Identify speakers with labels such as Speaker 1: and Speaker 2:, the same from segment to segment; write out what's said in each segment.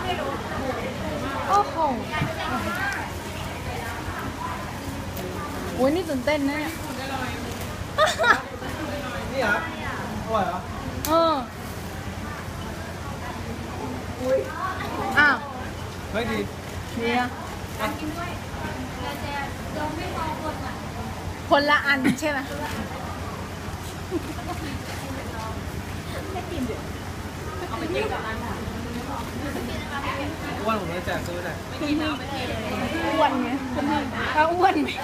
Speaker 1: โอ้โหโอ้ยนี่ตื่นเต้นนะเนี่ย
Speaker 2: นี่เหรออร่อยเหรอ
Speaker 1: อ้าว
Speaker 2: เฮ้ยดี
Speaker 1: เนี่ยคนละอันใช่ไหม
Speaker 2: อ้วนผมเลยแจกซื้อหน่อย
Speaker 1: อ้วนไงถ้าอ้วนไหม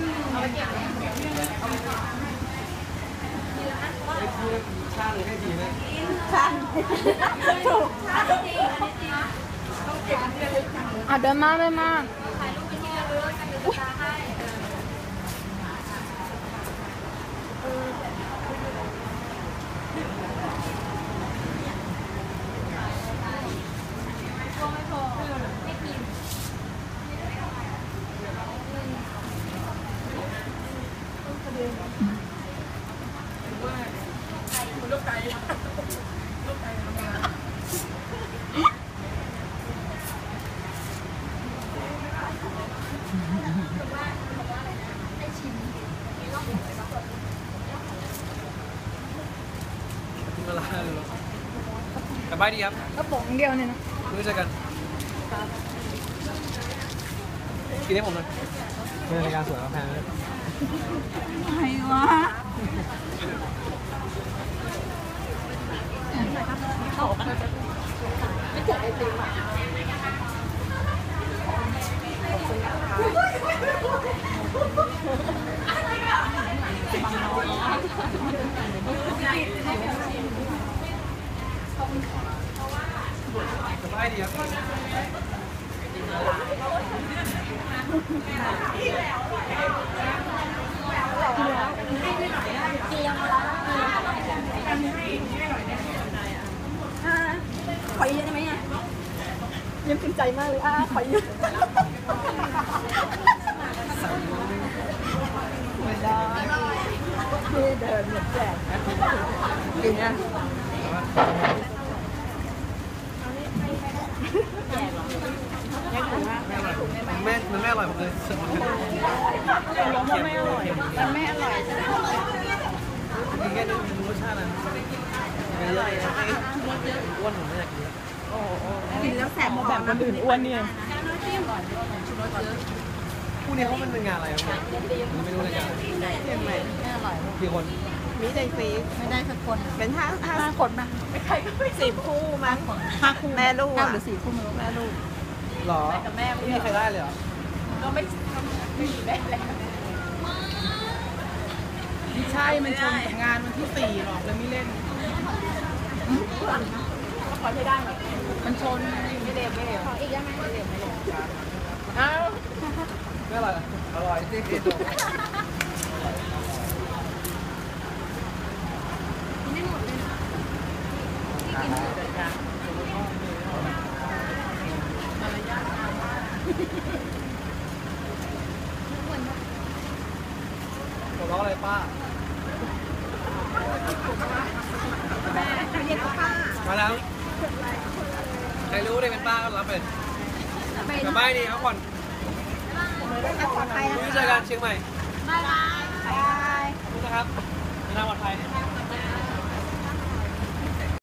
Speaker 2: ชาเลยให้ดีไหม
Speaker 1: ชาถูกเดินมาเลยมา
Speaker 2: กินมาลาเลยกลับบ้านดีครับ
Speaker 1: กระป๋องเดียวเนี่ยนะ
Speaker 2: รู้จักกันกินให้ผมหน่อยเป็นรายการสวยมาแพงเลย
Speaker 1: ไงวะไม่เจอไอติมอ่ะ
Speaker 2: สบายดีครับ
Speaker 1: ขอเยอะได้ไหมอ่ะยังภูมิใจมากเลยขอเยอะไม่ได้ที่เดินเหมือนแจกกินนะ
Speaker 2: มันไม่อร่อยผมเลยสึกมัน
Speaker 1: ไม่อร่อยมันไม่อร่อย
Speaker 2: กินแค่นี้มันรสชาติอะไรไม่เยอะอ้วนผมไม่อยากกิน
Speaker 1: กินแล้วแสบมาแบบคนอื่นอ้วนเนี่ย
Speaker 2: คู่นี้เขาเป็นงานอะไรครับไม่รู้รายการ
Speaker 1: ไม่อร่อย
Speaker 2: กี่คน
Speaker 1: มีใจฟรีไม่ได้สักคนเป็นห้าคนนะไม่ใครก็ไม่10 คู่มั้ง5 คู่แม่ลูกหรือ4 คู่ไม่รู้แม่ลูก
Speaker 2: หรอไม่มีใครได้เลยเหรอ
Speaker 1: ก็ไม่มีแม่แล้วไม่ใช่มันชนงานวันที่4หรอกเลยไม่เล่นก็ขอใช้ได้มันชนไม่เล่นขออีกได้ไหมไม่เล่นอ้าว
Speaker 2: ไม่อร่อยอร่อยจริงๆ
Speaker 1: ไม่หมดเลยที่กินเสร็จยัง
Speaker 2: ผมร้องอะไรป้า
Speaker 1: แม่เรียกป้า
Speaker 2: มาแล้วใครรู้ได้เป็นป้าก็รับไปกลับบ้านดีครับก่อนรู้จักกันเชียงใหม่
Speaker 1: บายบาย
Speaker 2: รู้นะครับเดินทางปลอดภัย